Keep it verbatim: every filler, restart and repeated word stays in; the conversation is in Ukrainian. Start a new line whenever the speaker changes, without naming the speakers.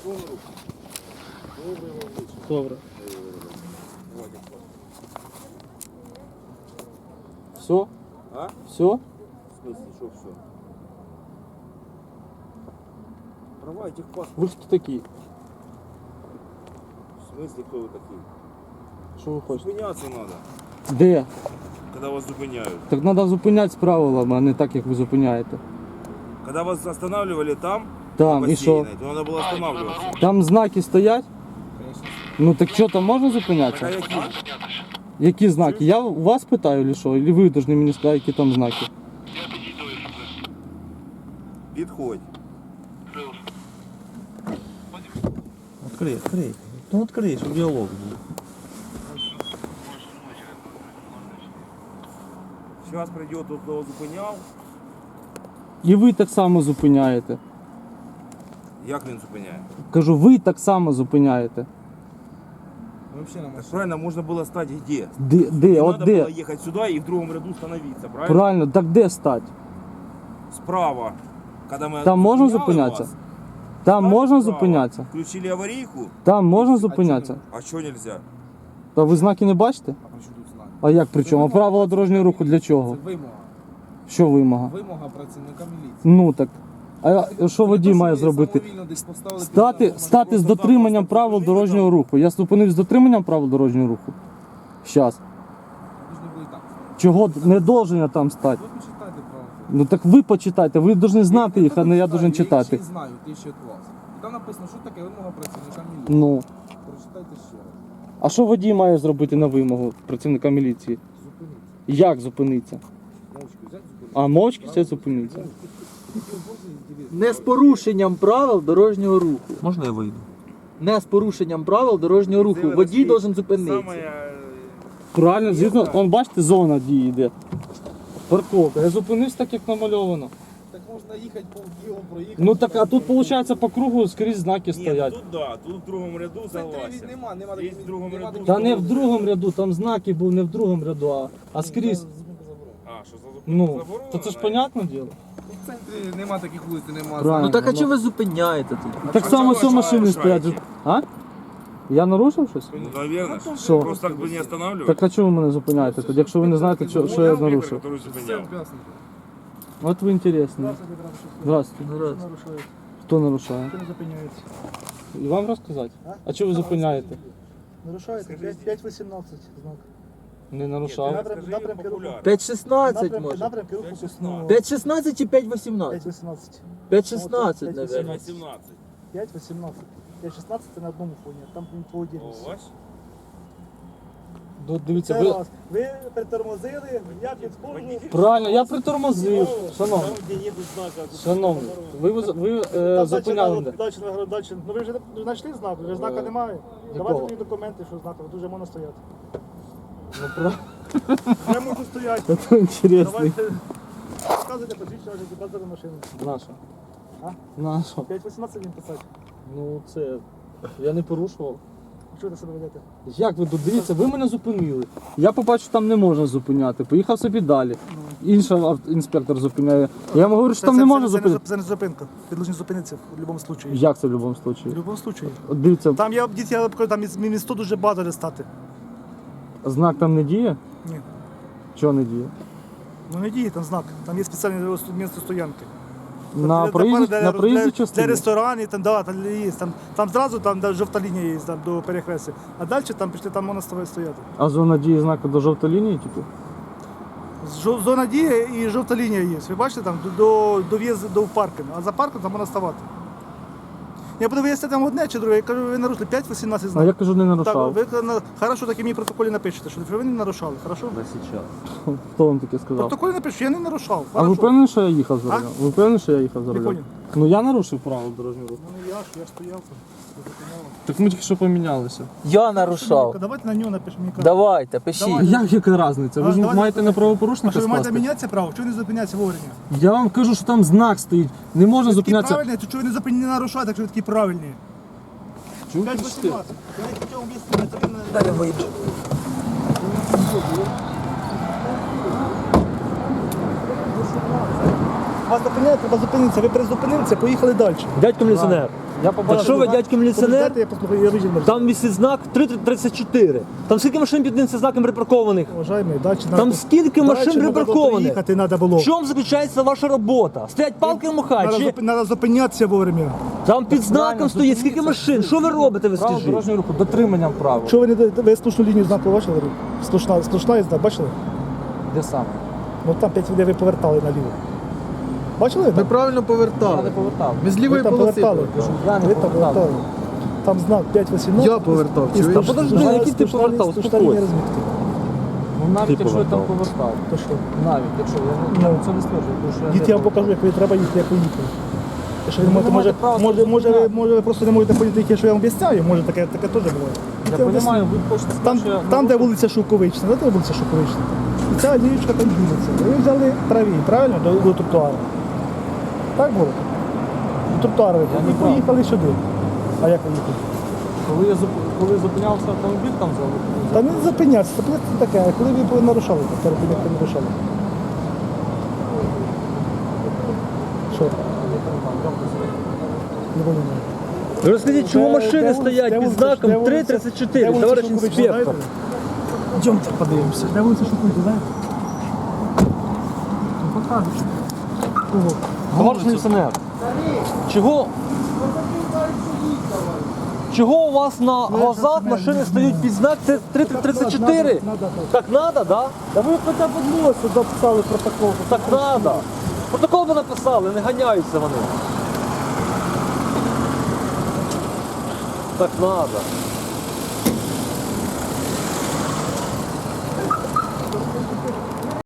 Добре. Все?
А?
Все?
В смысле, что все? Права этих паспорт.
Ви хто такі?
В смысле, кто вы такие?
Що ви хочете?
Зупиняться надо,
Де?
когда вас зупиняют.
Так треба зупиняти з правилами, а не так, як ви зупиняєте.
Когда вас останавливали там,
Там, і що?
бассейной, то надо было останавливаться.
Там знаки стоять? Ну так що, там можна
Так, а
зупинятися?
какие?
Які знаки? Я у вас питаю, чи що? Или ви повинні мені сказати, які там знаки?
Подходь.
Открой, открой. Ну открой, чтобы диалог был.
Сейчас придет тот, кто зупиняв.
І ви так само зупиняєте.
Як він зупиняє?
Кажу, ви так само зупиняєте.
Так правильно, можно было стать где?
Де, де,
Не
от
надо
де?
было ехать сюда и в другом ряду становиться, правильно?
Правильно, так де стать?
Справа. Когда мы
Там можна
зупиняли
зупинятися?
вас,
Там
стали
можна
справа,
зупинятися?
Включили аварийку,
Там можна зупинятися?
а что нельзя?
Та ви знаки не бачите?
А при чому тут знак?
А як при чому? А правила дорожнього руху для чого?
Це вимога.
Що вимога?
Вимога працівника міліції.
Ну так. А що водій має зробити? Стати, стати з дотриманням правил дорожнього руху. Я зупинив з дотриманням правил дорожнього руху. Щас. Чого не должен я там стати?
Ви почитайте правила.
Ну так ви почитайте, ви повинні знати їх, а не я должен читати.
Я їх знаю, ті ще від вас. І там написано, що таке вимога працівника міліції.
Ну.
Прочитайте ще раз.
А що водій має зробити на вимогу працівника міліції?
Зупиніться.
Як зупиниться?
Мовчки взяти, зупинити.
А мовчки все зупиниться.
Не з порушенням правил дорожнього руху.
Можно я выйду?
Не з порушенням правил дорожнього руху. Водій должен зупинитися.
Самое...
Правильно, звісно, он бачите, зона дії йде. Парковка. Я зупинився так, як намальовано.
Так можна їхати по Києву, проїхати.
Ну так, а тут виходить по кругу скрізь знаки
Нет,
стоять.
тут да, тут в другом ряду
Це
согласен.
нема, нема
Є
таких-
в другому
нема
ряду.
таких-
Та не в другому ряду, там знаки був не в другому ряду, а, а скрізь.
А, що за зупинка
Ну,
заборонена?
то це ж понятне діло.
В центрі нема таких вулиць, нема.
Правильно.
Ну так а
ну.
чого ви зупиняєте тут?
Так
а
само
чого
все
ви
машини
нарушаєте?
стоять. А? Я нарушив щось?
Ну, наверное.
Що?
Просто так бы не останавливать.
Так а чого ви мене зупиняєте тоді, якщо ви не знаєте, що, що я нарушив?
Который зупиняв.
От ви інтересні. Здравствуйте. Хто нарушає?
Хто не зупиняється?
І вам розказати? А чого ви зупиняєте?
Нарушаєте п'ять вісімнадцять знак.
Не нарушав.
Напрям- напрямки руху.
п'ять шістнадцять
Напрямки,
може.
напрямки руху пісню.
п'ять шістнадцять чи п'ять вісімнадцять?
п'ять вісімнадцять.
п'ять шістнадцять,
П'ять
мабуть.
семнадцать.
п'ять вісімнадцять. п'ять шістнадцять це на одному фоні, там по
О,
отдільності.
ваш?
Ну, дивіться,
Це
ви...
раз. Ви притормозили, я підходжу.
Правильно, я притормозив. Шановний,
Там, де є знака.
шановний, ви, ви, ви е,
Там
зупиняли
далі,
мене.
далі, далі, далі. Ну ви вже не знайшли знак, вже знака
Е,
немає.
якого?
Давайте мені документи, що знака, тут вже можна стояти.
Ну, про...
Я можу стояти.
Це інтересно.
Давайте. Показуйте посвідчення, вже показали машину.
Наша.
А?
Наша.
п'ять вісімнадцять він писати.
Ну, це... Я не порушував.
Чого ви себе ведете?
Як ви тут? Дивіться, ви мене зупинили. Я побачив, що там не можна зупиняти. Поїхав собі далі. Інший ав- інспектор зупиняє. Я йому говорю, що там не можна зупиняти.
Це не зупинка. Ти должен зупинитися в будь-якому випадку.
Як це в будь-якому
В
випадку?
будь-якому випадку.
От дивіться,
Там я дід, я покажу, там із- місто дуже багато де стати.
знак там не діє?
Ні.
Чого не діє?
Ну не діє там знак. Там є спеціальне місце стоянки.
На
Для-
проїзді,
для,
на проїзді
для,
частині?
для ресторанів, там, да, там є. Там, там зразу там, де жовта лінія є там, до перехрестя. А далі там пішли, там можна ставити стояти.
А зона дії знаку до жовтої лінії, типу?
Жо- Зона дії і жовта лінія є. Ви бачите, там до, до, до в'їзду до паркінгу. А за парком там можна ставати. Я буду виясняти там одне чи друге. Я кажу, ви нарушили п'ять вісімнадцять
А
знаків.
я кажу, не нарушав.
Так, ви на- хорошо, так і мені в протоколі напишете, що ви не нарушали, хорошо?
Да сейчас.
Хто вам таке
В
сказав?
протоколі напишу, я не нарушав.
А ви
хорошо.
впевнені, що я їхав за
А?
рулем? Ви впевнені, що я їхав за
Не
рулем?
понял.
Ну я нарушив правила дорожнього руху.
Ну я ж, я ж стояв там. ви зупиняли.
Так ми тільки що помінялися.
Я нарушав.
Давайте на нього напишемо. мені кажуть.
Давайте, пишіть.
Давай.
Як яка різниця? Ви
А,
ж
давайте
маєте на
А
правопорушника
що ви маєте
скласти?
мінятися право? Чого ви не зупиняться вовремя?
Я вам кажу, що там знак стоїть. Не можна
Такі
зупинятися.
правильні, то чого ви не зупиняєте, не нарушаєте, якщо ви такі правильні?
Чому
п'ять
кричите?
вісімнадцять. Я не хотів об'яснити, це він не-
Далі вийду.
Вас зупиняють, треба зупинитися. Ви призупинилися, поїхали далі.
Дядько міліціонер,
Я побачив.
Так що ви, дядько міліціонер?
Дайте я послухаю, я вижив.
Там висить знак три тридцять чотири. Там скільки машин під цим знаком припаркованих?
Уважаемый, дальше надо...
Там скільки машин
дальше надо було
припаркованих?
приїхати треба було.
В чому заключається ваша робота? Стоять палки в махають?
Надо,
Чи...
зуп- надо зупинятися вовремя.
Там під знаком стоїть скільки машин? Що ви робите, ви
Правил
скажіть?
дорожнього руху, дотриманням правил.
Що ви не даєте- ви слушну лінію знаку бачили? Слушна, слушна є знак, бачили?
Де саме?
Ну там п'ять людей ви повертали наліво. Бачили?
Ми правильно
Я
повертали.
не повертав.
Ми з
Ви
лівої
там
полоси
повертали.
повертали.
Я не
Ви там
повертав.
повертали. Там знак п'ять вісімнадцять.
Я повертав,
І
чуєш?
слушна-
Та подожди,
слушна-
який ти
слушна-
повертав?
слушна
Успокойся.
лінія розмітки.
Ну навіть
Ти
якщо я там
повертав.
повертав.
То що?
Навіть, якщо я,
Ну.
я це не стверджую, тому що я
Дід,
не
я вам
повертав.
покажу, як ви треба їхати, як ви їхали. Якщо ви
Ну,
можете,
ви
може,
маєте право
може,
це
може, ви,
зупиняти.
може, ви просто не можете поняти, яке, що я вам об'ясняю, може таке, таке теж буває.
Я
Це об'ясню.
розумію, ви хочете
Там,
сказати, що я
там де
нарушив.
вулиця Шовковична, де вулиця Шовковична. І ця ліючка там ділиться. Ви взяли праві, правильно, до, до тротуару. Так було? До тротуару ви
Я не
і поїхали сюди. А як ви їхали?
Коли я зуп- коли зупинявся автомобіль там за
Та не зупинятися, це таке, а коли ви нарушали, перед тим, як ви нарушали. Що? Не понимаю.
Ви розкажіть, чому
Де-
машини
де вулиця-
стоять
де
під
вулиця- де
знаком
вулиця-
три тридцять
де
чотири,
вулиця
товариш
Шовковична,
інспектор?
знаєте? Йдемте подивимося. Де вулиця Шовковична, знаєте? Ну, покажуть. Кого?
Товариш міліціонер, чого? Чого у вас на глазах машини стоять під знак три тридцять чотири?
Надо, надо, надо.
Так надо, да?
Да ви хоча б одного сюди писали протокол.
Так надо. Протокол би написали, не ганяються вони. Так надо.